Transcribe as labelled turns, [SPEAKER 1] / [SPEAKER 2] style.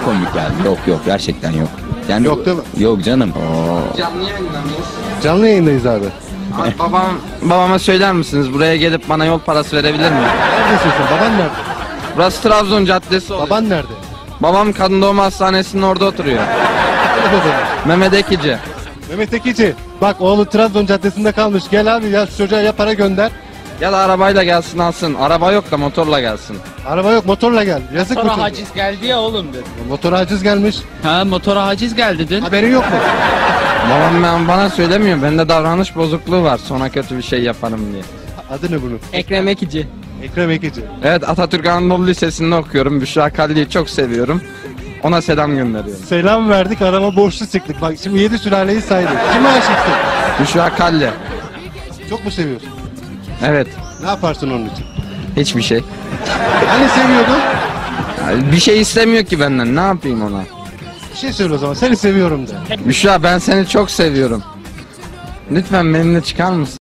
[SPEAKER 1] komik geldi. Yok yok, gerçekten yok. Yani,
[SPEAKER 2] Yok değil mi?
[SPEAKER 1] Yok canım.
[SPEAKER 3] Canlı yayında mıyız?
[SPEAKER 2] Canlı yayındayız abi.
[SPEAKER 3] Abi babama söyler misiniz? Buraya gelip bana yol parası verebilir mi?
[SPEAKER 2] Neredesin sen? Baban nerede?
[SPEAKER 3] Burası Trabzon Caddesi oluyor.
[SPEAKER 2] Baban nerede?
[SPEAKER 3] Babam kadın doğum hastanesinin orada oturuyor. Mehmet Ekici.
[SPEAKER 2] Mehmet Ekici. Bak oğlu Trabzon Caddesi'nde kalmış. Gel abi ya şu çocuğa ya para gönder.
[SPEAKER 3] Ya da arabayla gelsin alsın. Araba yok da motorla gelsin.
[SPEAKER 2] Araba yok motorla gel. Yazık mı
[SPEAKER 4] Motora
[SPEAKER 2] çocuğa?
[SPEAKER 4] haciz geldi ya oğlum dedi.
[SPEAKER 2] Motora haciz gelmiş.
[SPEAKER 4] Ha motora haciz geldi dün.
[SPEAKER 2] Haberin yok mu?
[SPEAKER 3] Babam bana söylemiyor. Bende davranış bozukluğu var. Sonra kötü bir şey yaparım diye.
[SPEAKER 2] Adı ne bunun?
[SPEAKER 4] Ekrem Ekici.
[SPEAKER 2] Ekrem Ekici.
[SPEAKER 3] Evet, Atatürk Anadolu Lisesi'nde okuyorum. Büşra Kalli'yi çok seviyorum. Ona selam gönderiyorum.
[SPEAKER 2] Selam verdik araba borçlu çıktık. Bak şimdi 7 sülaleyi saydık. Kime aşıksın?
[SPEAKER 3] Büşra Kalli.
[SPEAKER 2] Çok mu seviyorsun?
[SPEAKER 3] Evet.
[SPEAKER 2] Ne yaparsın onun için?
[SPEAKER 3] Hiçbir şey.
[SPEAKER 2] Hani seviyordun?
[SPEAKER 3] Bir şey istemiyor ki benden. Ne yapayım ona?
[SPEAKER 2] Bir şey söyle o zaman. Seni seviyorum de.
[SPEAKER 3] Büşra, ben seni çok seviyorum. Lütfen benimle çıkar mısın?